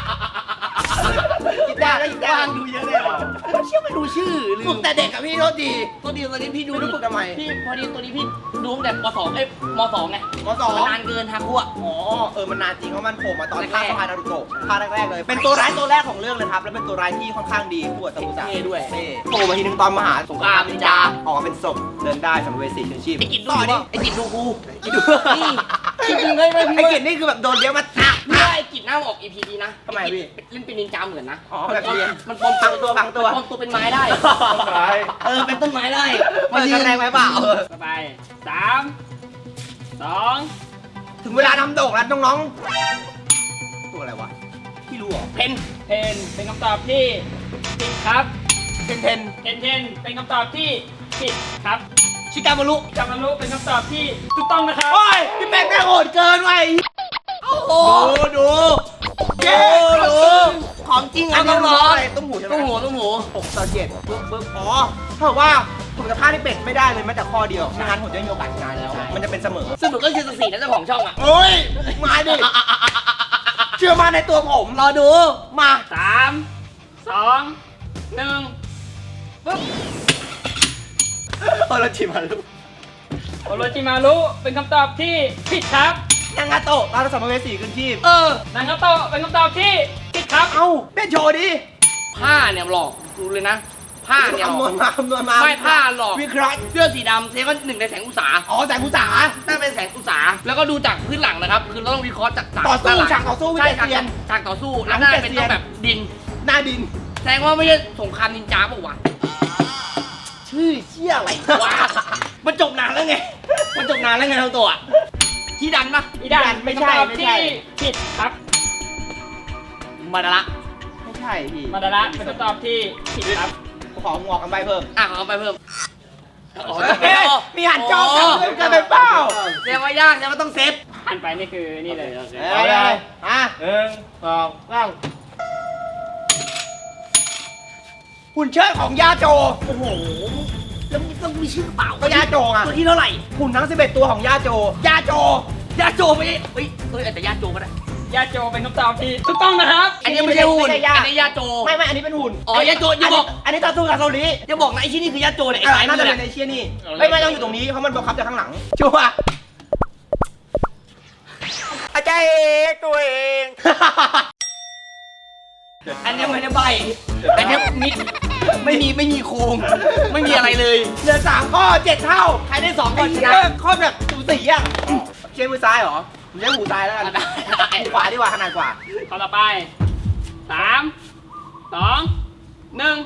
Speaker 1: กินได้แล้วกินได้
Speaker 2: ว่างดูเยอะเลยเชี่ยไม่รู้ชื่อลื
Speaker 1: ฝึ
Speaker 2: ม
Speaker 1: กแต่เด็กกับพี่โทษดี
Speaker 2: ตัวดีตัวนี้พี่ดู
Speaker 1: ไม่รู้ฝึกทำไม
Speaker 2: พี่พอดีตัวนี้พี่ดูตั้งแต่ปสองเอ้ยมสองไง
Speaker 1: มสอง
Speaker 2: มันนานเกินฮาคุอ่ะ
Speaker 1: อ๋อ เออ มันนานจริงเพราะมันโผล่มาตอน
Speaker 2: แรกๆ
Speaker 1: ภาคสะพานนารูโตะภาคแรกๆเลย เป็นตัวร้ายตัวแรกของเรื่องเลยครับ แล้วเป็นตัวร้ายที่ค่อนข้างดีคู่กับซากุสะ
Speaker 2: เท่ด้วย
Speaker 1: เท่โผล่มาทีนึงตอนมหา
Speaker 2: สงครามนินจา
Speaker 1: ออกมาเป็นศพเดินได้สัมภเวสีเชิงชีพ
Speaker 2: ไอ้กิจดู
Speaker 1: ต่อดิ
Speaker 2: ดิไอ้กิจดูกู
Speaker 1: กินดู
Speaker 2: นี่จริงๆเลยเลยพี่
Speaker 1: ไอ้กินนี่คือแบบโดนเลี้ยวมาทัก
Speaker 2: พี่ว่าไอ้กิจหน้าออก อี พี ดีนะ
Speaker 1: ทำไมพี่
Speaker 2: เล่นเป็นนินจาเหมือนนะ
Speaker 1: อ๋อแบบเรียน
Speaker 2: มันปลอม
Speaker 1: พังตัวพังตัว
Speaker 2: ปลอมตัวเป็นไม้ได้
Speaker 4: ต้นไม้
Speaker 2: เออเป็นต้นไม้ได้
Speaker 1: เปิดกันแรงไหมเปล่าเออ
Speaker 3: ต่อไปสามสอง
Speaker 1: ถึงเวลาทำโด่งแล้วน้องๆ ตัวอะไรวะ พี่รู้เหรอ
Speaker 2: เพน
Speaker 3: เทนเป็นคำตอบที่ผิดครับ
Speaker 1: เทนเทน
Speaker 3: เทนเทนเป็นคำตอบที่ผิดครับ
Speaker 2: ชิกามารุ
Speaker 3: จามารุเป็นคำตอบที่ถูกต้องนะครับ
Speaker 1: โอ้ย พี่แม็กแม่งโหดเกินว่ะไอ้
Speaker 2: โอ้ดู
Speaker 1: เย้
Speaker 2: ดูของจริง
Speaker 1: อั
Speaker 2: เอา
Speaker 1: นนี้
Speaker 2: ต้อง
Speaker 1: รู้
Speaker 2: ร้อ
Speaker 1: อะ
Speaker 2: น
Speaker 1: ไรต้มหูใช่ไหม
Speaker 2: ต้องหัวต้องหัว
Speaker 1: หกต่อเจ็ดปึ๊บปึ๊บอ๋อถ้าเกิดว่าผมจะพลาดที่เป็ดไม่ได้เลยแม้แต่ข้อเดียวไม่งั้นผมจะไม่มีโอกาสชนะแล้ว มันจะเป็นเสมอ
Speaker 2: ซึ่งหนูก็คือสกสีนะเจ้าของช่องอ่ะ
Speaker 1: โอ้ย มาดิ เชื่อมาในตัวผม
Speaker 2: รอดู
Speaker 1: มา
Speaker 3: สามสองหนึ่งปุ๊บ
Speaker 1: เออเราชิมมาลูก
Speaker 3: โอโรจิมารุเป็นคำตอบที่ผิดครับ
Speaker 1: นางาโตะตาสัมภเวสีขึ้นชีพ
Speaker 2: เออ
Speaker 3: นางาโตะเป็นคำตอบที่ผิดครับ
Speaker 1: เอ้าเต้นโชว์ดิ
Speaker 2: ผ้าเนี่ยหลอกดูเลยนะ ผ้าเนี่ยหล
Speaker 1: คำน
Speaker 2: อ
Speaker 1: ว
Speaker 2: ก
Speaker 1: ณมาคำนวณมา
Speaker 2: ไม่ผ้าหลอก
Speaker 1: วิเคราะห์
Speaker 2: เสื้อสีดำเซก็หนึ่งในแสงอุตสา
Speaker 1: อ๋อแสงกุศา
Speaker 2: น่าเป็นแสงอุตสาแล้วก็ดูจากพื้นหลังนะครับ คือเราต้องวิเคราะห์จาก
Speaker 1: ต่อสู้
Speaker 2: ด้นหลัง
Speaker 1: ฉากต่อสู้
Speaker 2: ใช่
Speaker 1: วิเศษ
Speaker 2: ฉาก
Speaker 1: เซียน
Speaker 2: ฉากต่อสู้
Speaker 1: หลั
Speaker 2: แล้ว
Speaker 1: ง
Speaker 2: น่า
Speaker 1: วิเศษ
Speaker 2: เป็น
Speaker 1: เซีย
Speaker 2: ต้อน งแบบดิน
Speaker 1: หน้าดิน
Speaker 2: แสดงว่าไม่ใช่สงครามนินจาเปล่าวะชื่อเชี่ยอะไรวะมันจบนานแล้วไง มันจบนานแล้วไงทั้งตัวอะที่ดันปะ
Speaker 3: อีดัน
Speaker 1: ไม่
Speaker 3: เป็น
Speaker 1: ใช่
Speaker 3: คำตอบ
Speaker 1: ไม่
Speaker 3: ที่
Speaker 1: ใช่
Speaker 3: ผิดครับ
Speaker 2: มาดาระ
Speaker 1: ไม่ใช่พี่
Speaker 3: มาดาระเป็นคำตอบที่ผิดครับ
Speaker 1: ของงอกกันไปเพิ่ม
Speaker 2: อ่ะขอไปเพิ่ม
Speaker 1: เอ๊ะมีหันจอกันเพิ่มกันไปเปล่า
Speaker 2: แสดงว่ายากแสดงว่าต้องเซฟ
Speaker 3: หันไปนี่คือนี่เลย
Speaker 1: เอาเลยอ่ะ
Speaker 4: หนึ่งสองสาม
Speaker 1: หุ่นเชิดของยาโจ
Speaker 2: โอ้โหแล้วมันต้องมีชื่อเปล่า
Speaker 1: ก็ยาโจอ่ะ
Speaker 2: ตัวที่เท่าไหร่
Speaker 1: หุ่นทั้งสิบเอ็ดตัวของยาโจยาโจ
Speaker 2: ยาโจไม่ใช่เฮ้ยเฮ้ยแต่ยาโจก็ได้
Speaker 3: ยาโจเป็นคำตอบที่ถูกต้องนะครับ
Speaker 2: อันนี้ไม่ใช่หุ่น
Speaker 1: ไม่ใช่ยา
Speaker 2: อันนี้ยาโจ
Speaker 1: ไม่ไม่อันนี้เป็นหุ่น
Speaker 2: อ๋อยาโจอย่าบอก
Speaker 1: อันนี้ตาตูกับเกาหลี
Speaker 2: อย่าบอกนะไอ้ชิ้นนี้คือยาโจเนี่ยไอ้
Speaker 1: อ่ะ
Speaker 2: สายมื
Speaker 1: น่า
Speaker 2: อ
Speaker 1: จะ
Speaker 2: เนี่
Speaker 1: เป็น
Speaker 2: ย
Speaker 1: ไอเชียนี่ไม่ไม่ต้องอยู่ตรงนี้เพราะมันบังคับจากข้างหลังชัวร์อาจารย์เองตัวเอง
Speaker 2: อันนี้ไม่ได้ใบอันนี้มิดไม่มีไม่มีโครงไม่มีอะไรเลย
Speaker 1: เหลือสามข้อเจ็ดเท่า
Speaker 2: ใครได้สองก่
Speaker 1: ไอ้
Speaker 2: อนช
Speaker 1: เหี้ย
Speaker 2: นะ
Speaker 1: ข้อแบบสูสีอ่ะเชียร์มือซ้ายเหรอผมใช้หูซ้ายแล้วกัน
Speaker 2: ได้ได้
Speaker 1: หูขวาดีกว่าขนาดกว่า
Speaker 3: ข้อต่อไปสามสองหนึ่ง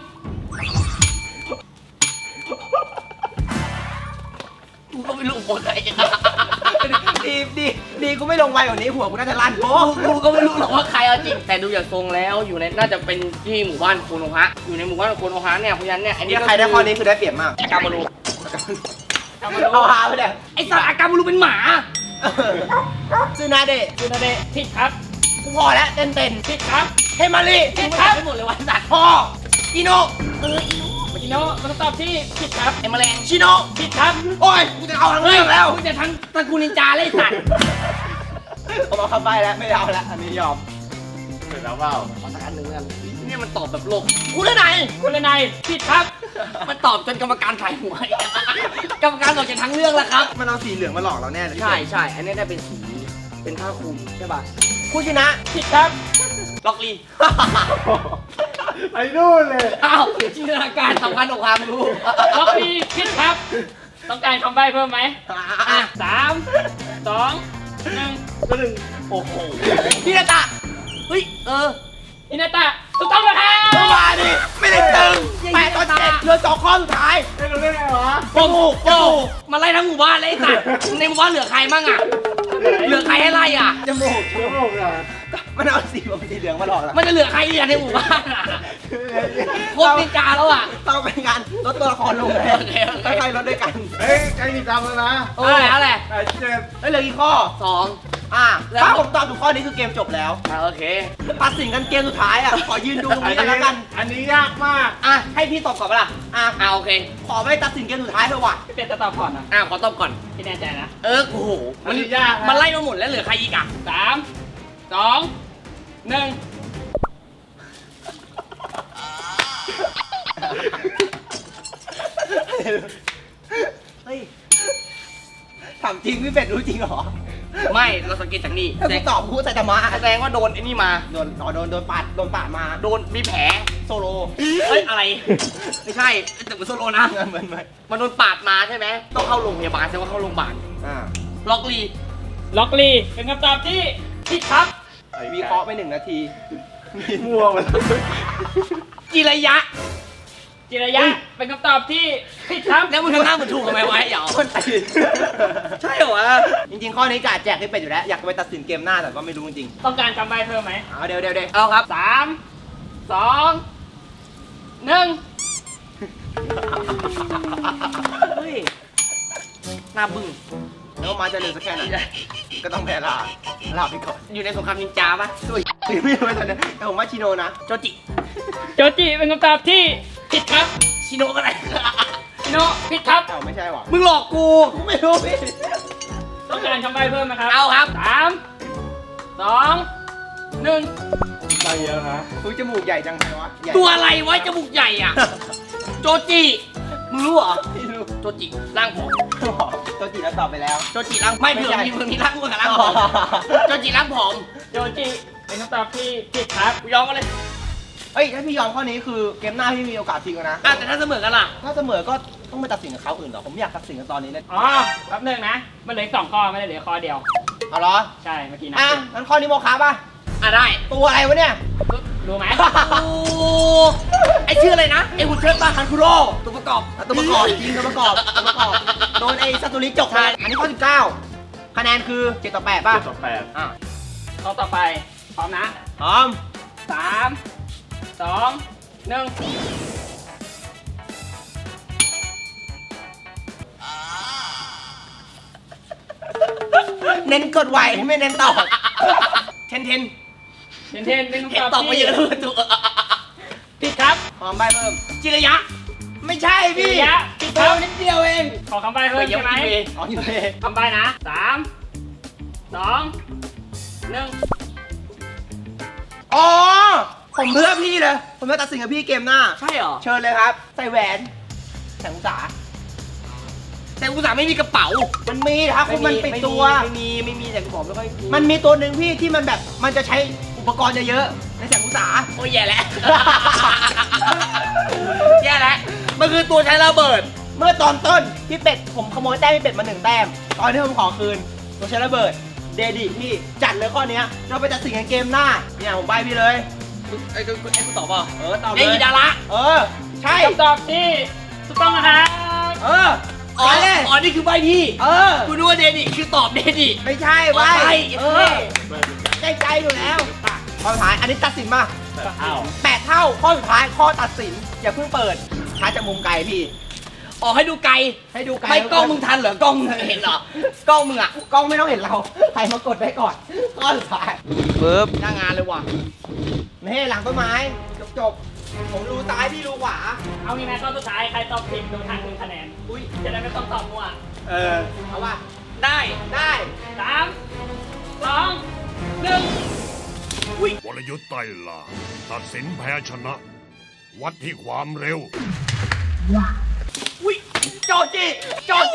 Speaker 2: กูก็ไม่รู้หมดเลย
Speaker 1: ดีดีดีกูไม่ลงไวกว่านี้หัวกูน่าจะลั่นโป๊ะ
Speaker 2: กูก็ไม่รู้หรอกว่าใครเอาจริงแต่ดูอย่างทรงแล้วอยู่ในน่าจะเป็นที่หมู่บ้านโคโนฮะอยู่ในหมู่บ้านโคโนฮะเนี่ยเพราะฉะนั้นเนี่ยอันนี้
Speaker 1: นี่ใครได้ข้อนี้คือได้เปรียบมาก
Speaker 2: กามารู
Speaker 3: กามารุ
Speaker 1: เอาหาไปเลย
Speaker 2: ไอ้สัตว์อากามารูเป็นหมา
Speaker 1: ซูนาเดะ
Speaker 3: จูนาเดะผิดครับ
Speaker 1: กูพอแล้วเต้นเต้น
Speaker 3: ผิดครับ
Speaker 1: เฮมารี
Speaker 2: ผิดครับไม่หมดเลยวันสัตว์
Speaker 1: พ่ออิโน
Speaker 2: เอออีโน่
Speaker 3: อิโนะเป็นคำตอบที่ผิดครับ
Speaker 2: ไอ้แมลง
Speaker 1: ชิโน
Speaker 3: ผิดครับ
Speaker 1: โอ้ยกูจะเอาทั้งเรื่องแล้ว
Speaker 2: มึงจะทั้งตระกูลนินจาเลยไอ้สัตว์
Speaker 1: ผมเอาเข้าไปแล้วไม่เอาแล้วอันนี้ยอม
Speaker 4: เสร็จแล้วเปล่า
Speaker 2: ขอสักอันหนึ่งแล้วกันเนี่ยมันตอบแบบโลก
Speaker 1: กูได้ไหน
Speaker 3: คุณเลนายผิดครับ
Speaker 2: มันตอบจนกรรมการถ่ายหัว กรรมการบอกจะทั้งเรื่องแล้วครับ
Speaker 1: มันเอาสีเหลืองมาหลอกเราแน่เลย
Speaker 2: ใช่ใช่อันนี้ได้เป็นสีเป็นผ้าคลุมใช่ป่ะ
Speaker 1: ผู้ชนะ
Speaker 3: ผิดครับ
Speaker 2: ล็อกลี
Speaker 4: ไปนู่นเลย
Speaker 2: อ้าวจินตนาการสำคัญกว่าความรู้
Speaker 3: ล็อกบีผิดครับ ต้องการคำใบ้เพิ่มไหม
Speaker 2: อ่ะ
Speaker 3: สามสองหนึ่ง
Speaker 4: ก็หนึ่ง
Speaker 2: โอ้โห
Speaker 1: พี่นาตะ
Speaker 2: เฮ้ยเออ
Speaker 3: อินาตะถูกต้องนะครับ
Speaker 1: เข้ามาดิไม่ได้ตึงแปดต่อเจ็ดเหลือสองข้อสุดท้าย
Speaker 4: ไม่รู้ได้ไงวะ
Speaker 1: จมูกจ
Speaker 2: โอ้
Speaker 1: มูก
Speaker 2: มาไล่ทั้งหมู่บ้านเลยไอ้สัตว์ในหมู่บ้านเหลือใครมั่งอ่ะเหลือใครให้ไล่อ่ะ
Speaker 1: จมูก
Speaker 4: ชั่วโมงอ่ะ
Speaker 1: มันเอาสีผมสีเหลืองมาหลอกแล้ว
Speaker 2: มันจะเหลือใครอีกอะในหมู่บ้านอะโคตรนินจาแล้วอ่ะ
Speaker 1: ต้องเป็นการลดตัวละครลงเลย
Speaker 2: โอเคโอเค
Speaker 1: ค่อยๆลดด้วยกัน
Speaker 4: เฮ้ยใกล้มีดำแล้วนะ
Speaker 2: โอ้ยอะไร
Speaker 4: ไอ้เจ็บ
Speaker 1: เฮ้ยเหลือกี่ข้อ
Speaker 2: สอง
Speaker 1: อ่ะ
Speaker 2: แล้ว
Speaker 1: ถ้าผมตอบถูกข้อนี้คือเกมจบแล้ว
Speaker 2: อ่ะโอเค
Speaker 1: ตัดสินกันเกมสุดท้ายอ่ะ ขอยืนดูตรงนี้กันแล้วกัน
Speaker 4: อันนี้ยากมาก
Speaker 1: อ่ะ ให้พี่ตอบก่อนปะล่ะ อ่ะ
Speaker 2: อ่ะโอเค
Speaker 1: ขอไม่ตัดสินเกมสุดท้ายเถอะว่ะ
Speaker 3: พี่เป็ดจะตอบก่อนนะ
Speaker 2: อ่ะขอตอบก่อน
Speaker 3: พี่แน่ใจนะ
Speaker 2: เออโอ้โห
Speaker 4: อันนี้ยากนะ
Speaker 2: มันไล่มาหมดแล้วเหลือใครอีกอ่ะ
Speaker 3: สามสองหนึ่ง
Speaker 1: เฮ้ยถามจริงพี่เป็ดรู้จริงเหรอ
Speaker 2: ไม่เราสังเกตจากนี่
Speaker 1: ถ้า
Speaker 2: แส
Speaker 1: กู
Speaker 2: ดง
Speaker 1: ตอบกูใส่ธรรมะ
Speaker 2: แสดงว่าโดนไอ้นี่มา
Speaker 1: โดนอ๋อโดนโดนปาดโดนปาดมา
Speaker 2: โดนมีแผล
Speaker 1: โซโล
Speaker 2: เฮ้ยอะไร ไม่ใช่แต่เป็นโซโลนะ
Speaker 1: เหมือนเหมือน
Speaker 2: มันโดนปาดมาใช่ไหมต้องเข้าโรงพยาบาลแสดงว่าเข้าโรงพยาบาล
Speaker 1: อ่า
Speaker 2: ล็อกลี
Speaker 3: ล็อกลีเป็นคำตอบที่ผิดครับ
Speaker 1: วิเคราะห์ไปหนึ่งนาที
Speaker 4: มั่วมัน
Speaker 2: จิระยะ
Speaker 3: จิระยะเป็นคำตอบที่ผิดครับ
Speaker 2: แล้วมึงทำหน้าเหมือนถูกทำไมวะไอ้เหยา
Speaker 1: คนตีน
Speaker 2: ใช่เหรอวะ
Speaker 1: จริงๆ ข้อนี้กาแจกให้เป็ดอยู่แล้ว อยากไปตัดสินเกมหน้าแต่ว่าไม่รู้จริง
Speaker 3: ต้องการคำใบ้เพิ่มไหม
Speaker 1: ๆเอาเดี๋ยวเดี๋ยวเดี๋ยว
Speaker 2: เอาครับ
Speaker 3: สามสองหนึ่ง
Speaker 2: เฮ้ยหน้าบึ้ง
Speaker 1: แล้วมาจะเร็วสักแค่ไหนก็ต้องแพ้ลาลาไปก่อน
Speaker 2: อยู่ในสงครามนินจาปะ
Speaker 1: ตัวตีไม่รู้ตอนนี้แต่ผมว่าชิโนนะ
Speaker 2: โจจิ
Speaker 3: โจจิเป็นคำตอบที่ผิดครับ
Speaker 2: ชิโนะอะไร
Speaker 3: ชิโนผิดครับ
Speaker 1: เอ้าไม่ใช่หว่ะ
Speaker 2: มึงหลอกกู
Speaker 1: กูไม่รู้พี่
Speaker 3: ต้องการคำใบ้เพิ่มไหมครับ
Speaker 2: เอาครับ
Speaker 3: สามสองหนึ่ง
Speaker 4: ไปเยอะนะ
Speaker 1: กูจมูกใหญ่จังไงวะใหญ่
Speaker 2: ตัวอะไรวะจมูกใหญ่อ่ะ โจจิ มึงรู้เหรอ
Speaker 1: ไม่รู้
Speaker 2: โจจิร่างผอม
Speaker 1: ตัวจีแล้วตอบไปแล้ว
Speaker 2: โจจิร่างไม่
Speaker 1: ไม่
Speaker 2: เผื่อ
Speaker 1: ใช่
Speaker 2: มีเผื่อมีร่างอ้วนกับร่างผอม โจจิร่างผอม
Speaker 3: โจจิเป็นคำตอบที่ผิดครับ
Speaker 2: กูยอมกันเลย
Speaker 1: เอ้ยถ้าพี่ยอมข้อนี้คือเกมหน้าพี่มีโอกาสทิ้งแล้วนะ
Speaker 2: อ่ะแต่ถ้าเสมอกันล่ะ
Speaker 1: ถ้าเสมอก็ต้องไปตัดสินกับเขาอื่นเหรอผมอยากตัดสินกันตอนนี้เลย
Speaker 3: อ๋อแป๊บหนึงนะ มันเหลืออกสองข้อไม่ได้เหลือข้อเดียว
Speaker 1: เอาเหรอ
Speaker 3: ใช่เมื่อกี้นะ
Speaker 1: อ่ะงั้นข้อนี้โมคะป่ะ
Speaker 2: อ่ะได้
Speaker 1: ตัวอะไรวะเนี่ย
Speaker 3: รู้ไหม
Speaker 2: โอ้ไอชื่ออะไรนะ ไอหุ่นเชิดปะฮันคุโร่ตัวประกอบ
Speaker 1: ตัวประกอบจริงตัวประกอบตัวประกอบโดนไอ้ซาตูริจกไปอันนี้ข้อสิบเก้าคะแนนคือเจ็ดต่อแปดป่ะ
Speaker 4: เจ็ดต่อแปด
Speaker 1: อ่ะ
Speaker 3: ข้อต่อไป พร้อมนะ
Speaker 1: พร้อม
Speaker 3: สามสองหนึ่ง
Speaker 1: เน้นกดไวไม่เน้นตอบเทนเทน
Speaker 3: เทนเทนเป็น
Speaker 2: เห็น
Speaker 3: คำตอบ
Speaker 2: ตอบไป
Speaker 3: ที่
Speaker 2: เยอะเลยตัว
Speaker 3: ผิดครับ
Speaker 1: พร้อมใบเพิ่ม
Speaker 2: จิระยะ
Speaker 1: ไม่ใช่พี่
Speaker 3: จิระยะผิดค
Speaker 1: เพิ่
Speaker 3: รับ
Speaker 1: มนิดเดียวเอง
Speaker 3: ขอคำใบ้เพิ่มใช่ไหม
Speaker 2: ไปเยี่ยมกินเวย์
Speaker 1: อ๋ออยู่เลย
Speaker 3: คำใบ้นะสามสองหนึ่ง
Speaker 1: อ๋อผมเพื่อพี่เลยผมจะตัดสินกับพี่เกมหน้า
Speaker 2: ใช่เหรอ
Speaker 1: เชิญเลยครับ ใส่แหวนแสงอุตสา
Speaker 2: แต่กูสาไม่มีกระเป๋า
Speaker 1: มันมีนะครับคุณมันปิดตัว
Speaker 2: ไม่มีไม่มีแต่กูบอกไม่ค่อย
Speaker 1: มันมีตัวหนึ่งพี่ที่มันแบบมันจะใช้อุปกรณ์เยอะๆในแสงอุตสา
Speaker 2: โอ้ยแย่แล้ว แย่แล้ว มันคือตัวใช้ระเบิด
Speaker 1: เมื่อตอนต้นพี่เป็ดผมขโมยแต้มพี่เป็ดมาหนึ่งแต้มตอนที่ผมขอคืนตัวใช้ระเบิดเดดิพี่จัดเลยข้อเนี้ยเราไปตัดสินกันเกมหน้าเนี่ยผมใบพี่เลย
Speaker 2: ไอ้กูไอ้กูตอบเปล่า
Speaker 1: เออตอบเล
Speaker 2: ไอ้
Speaker 1: ย
Speaker 2: อีดาระ
Speaker 1: เออใช่
Speaker 3: คำตอบที่ถูกต้องนะครับ
Speaker 1: เออ
Speaker 2: อ๋อ
Speaker 1: ไปเลย
Speaker 2: อ๋อ นี่คือใบพี่
Speaker 1: เออ
Speaker 2: กูนึกว่าเดนิคือตอบเดนิ
Speaker 1: ไม่ใช่ใบ
Speaker 2: อ๋อใบ
Speaker 1: เออใจใจอยู่แล้วข้อสุดท้ายอันนี้ตัดสินมา
Speaker 3: อ้าว
Speaker 1: แปดเท่าข้อสุดท้ายข้อตัดสินอย่าเพิ่งเปิดช้าจากมุมไกลพี่
Speaker 2: อ๋อให้ดูไกล
Speaker 1: ให้ดูไกล
Speaker 2: ไม่กล้องมึงทันเหรอกล้องมึงเห็นเหรอ กล้องมึงอ่ะ
Speaker 1: กล้องไม่ต้องเห็นเราใครมากดไว้ก่อนข้อสุดท้าย
Speaker 2: ปึ๊บหน้างานเลยว่ะ
Speaker 1: นี่หลังต้นไม้จบจบๆผมรู้ซ้ายพี่รู้ขวา
Speaker 3: เอางี้ไหมข้อสุดท้ายใครตอบผิดโดนหักหนึ่งคะแนน
Speaker 1: อุ้ย
Speaker 3: จะได้ไม่ต้องตอบมั่ว
Speaker 1: เออเอาว่า
Speaker 2: ได้
Speaker 1: ได้
Speaker 3: สามสองหนึ่ง
Speaker 5: วรยุทธ์ไต่ลาตัดสินแพ้ชนะ วัดที่ความเร็ว
Speaker 1: อุ้ยโจจิโจจิ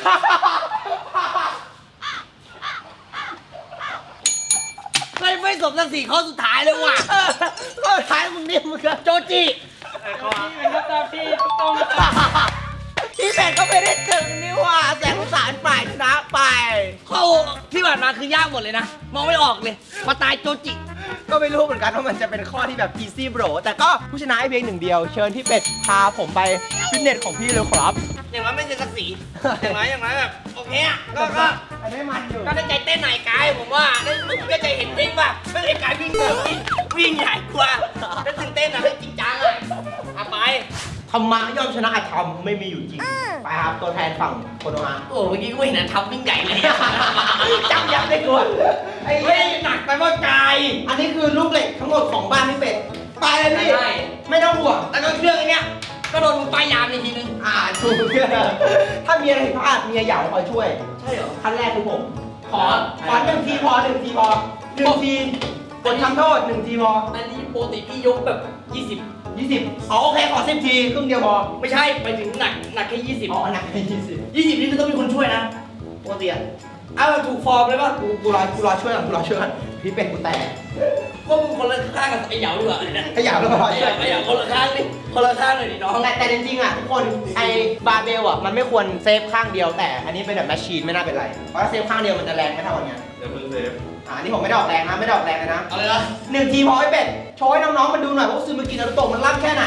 Speaker 2: ไม่ไม่สมศักดิ์ศรีข้อสุดท้ายเลยว่ะ
Speaker 1: เออข้อสุดท้ายมึงเนี่ยมึงก็
Speaker 2: โจจิ
Speaker 3: เป็นคำตอบที่ถูกต้องนะครับ
Speaker 1: พี่เป็ดก็ไม่ได้ถึงนี่หว่าแสงอุตสาหฝ่ายชนะไป
Speaker 2: เข้าที่ผ่านมาคือยากหมดเลยนะ มองไม่ออกเลย มาตายโจจิ
Speaker 1: ก็ไม่รู้เหมือนกันว่ามันจะเป็นข้อที่แบบ easy bro แต่ก็ผู้ชนะให้เพียงหนึ่งเดียว เชิญพี่เป็ดพาผมไปฟิตเนสของพี่เลยครับ
Speaker 2: อย่างน้อยไม่เสียศักดิ์ศรีอย่างน้อยอย่างน้อยแบบโอเคอะก็ก็
Speaker 1: อันนี้มันอยู่
Speaker 2: ก็ได้ใจเต้นหน่อยกายผมว่าได้มึงก็ใจเห็นวิ่งป่ะไม่ได้กายวิ่งเลยวิ่งวิ่งใหญ่กว่าได้ตื่นเต้นอะได้จริงจังอะเอาไป
Speaker 1: ธรรมะย่อมชนะอธรรมไม่มีอยู่จริง ไปครับตัวแทนฝั่งโคโนฮะ
Speaker 2: โอ้เมื่อกี้กูเห็นนะทำวิ่งใหญ่เลย
Speaker 1: จำยับได้กวนไอ้
Speaker 2: เฮ้
Speaker 1: เฮ้
Speaker 2: ย
Speaker 1: ย
Speaker 2: หนักไปว่ากาย
Speaker 1: อันนี้คือลูกเหล็กทั้งหมดของบ้านพี่เป็ด ไปเลยพี่
Speaker 2: ได้
Speaker 1: ไม่ต้องห่วง
Speaker 2: แล้วก็เครื่องไอ้เนี้ยก็โดนมึงป้ายยามในทีนึง
Speaker 1: อ่าถูกถ้ามีอะไรผิดพลาดเมียเหยาคอยช่วย
Speaker 2: ใช่เหรอ
Speaker 1: ขั้นแรกคือผม
Speaker 2: ขอ
Speaker 1: ขอหนึ่งทีพอหนึ่งทีพอหนึ่งทีกดทำโทษหนึ่งทีพอ
Speaker 2: อันนี้ปกติพี่ยกแบบยี่สิบ
Speaker 1: ยี่สิบอ๋อโอเคขอสิบทีครึ่งเดียวพอ
Speaker 2: ไม่ใช่ไปถึงหนักหนักแค่ยี่สิบ
Speaker 1: อ๋อหนักไปยี่สิบ
Speaker 2: ยี่สิบนี่คือต้องมีคนช่วยนะปกติอะเอาแบบถูกฟอร์มเลยป่ะ
Speaker 1: กูกูรอกูรอช่วยก่อนกูรอช่วยก่อนพี่เป็ดกูแตก
Speaker 2: ว่ามึงคนละข้างกับไอ้เหยาดีกว่าเลยนะ
Speaker 1: ขยับแล้วก็รอ
Speaker 2: ไอ้เห
Speaker 1: ช่วย
Speaker 2: ยาไอ้เหยาคนละข้างนี่คนละข้างเลยดิน้อง
Speaker 1: แต่แต่จริงๆอ่ะทุกคนไอ้บาร์เบลอ่ะมันไม่ควรเซฟข้างเดียวแต่อันนี้เป็นแบบแมชชีนไม่น่าเป็นไรเพราะถ้าเซฟข้างเดียวมันจะแรงไม่เท่ากันไง
Speaker 4: เดี๋ยวมึงเซฟ
Speaker 1: อ่านี่ผมไม่ได้ออกแรงนะไม่ได้ออกแรงเลยนะ
Speaker 2: เอาเลยนะ
Speaker 1: หนึ่งทีพอไอ้เป็ดโชว์ให้น้องๆมันดูหน่อยว่าซูมิกินารุโตะมันล่ำแค่ไหน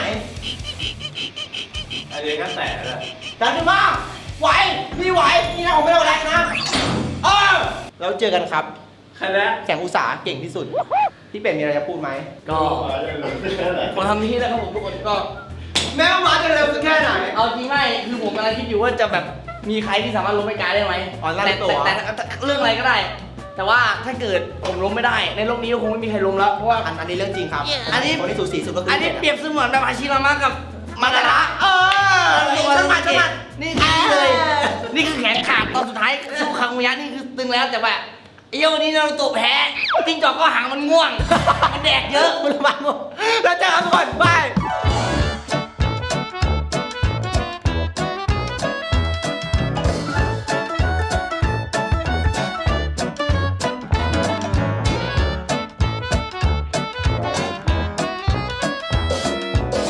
Speaker 4: อันนี้ก็แตะแล้ว
Speaker 1: จัดขึ้นมาไหวพี่ไหวนี่นะผมไม่ได้ออกแรงนะเออแล้วเจอกันครับ
Speaker 4: คณะ
Speaker 1: แสงอุตสาหเก่งที่สุดพี่เป็ดมีอะไรจะพูดไหม
Speaker 2: ก็ ผมทำที่แล้วครับผมทุกคนก็
Speaker 1: แม้ว่ามาจะเร็วสักแค่ไหน
Speaker 2: เอาจริงไม่คือผมกำลังคิดอยู่ว่าจะแบบมีใครที่สามารถล้มไอ้กายได้ไหม
Speaker 1: อ๋อนั่น
Speaker 2: แต่
Speaker 1: ตัว
Speaker 2: แต่แต่แต่เรื่องอะไรก็ได้ แต่ว่าถ้าเกิดผมล้มไม่ได้ ในโลกนี้ก็คงไม่มีใครล้มแล้วเพราะว่า
Speaker 1: อันอันนี้เรื่องจริงครับ
Speaker 2: อันนี้
Speaker 1: คนที่สูสีสุดก็คือ
Speaker 2: อั
Speaker 1: อั
Speaker 2: นนี้เปรียบเสมือนแบบอาชิรามะกับมาดาระ
Speaker 1: เออช่างมันช่างมัน
Speaker 2: นี่คือเลย นี่คือแขนขาดตอนสุดท้ายสู้คังมุยะนี่คือตึงแล้วแต่ว่าไอ้เหี้ยวันนี้นารูโตะแพ้จิ้งจอกก็หางมันง่วง มันแดกเยอะ
Speaker 1: คุณระวังแล้วเจอกันก่อนบาย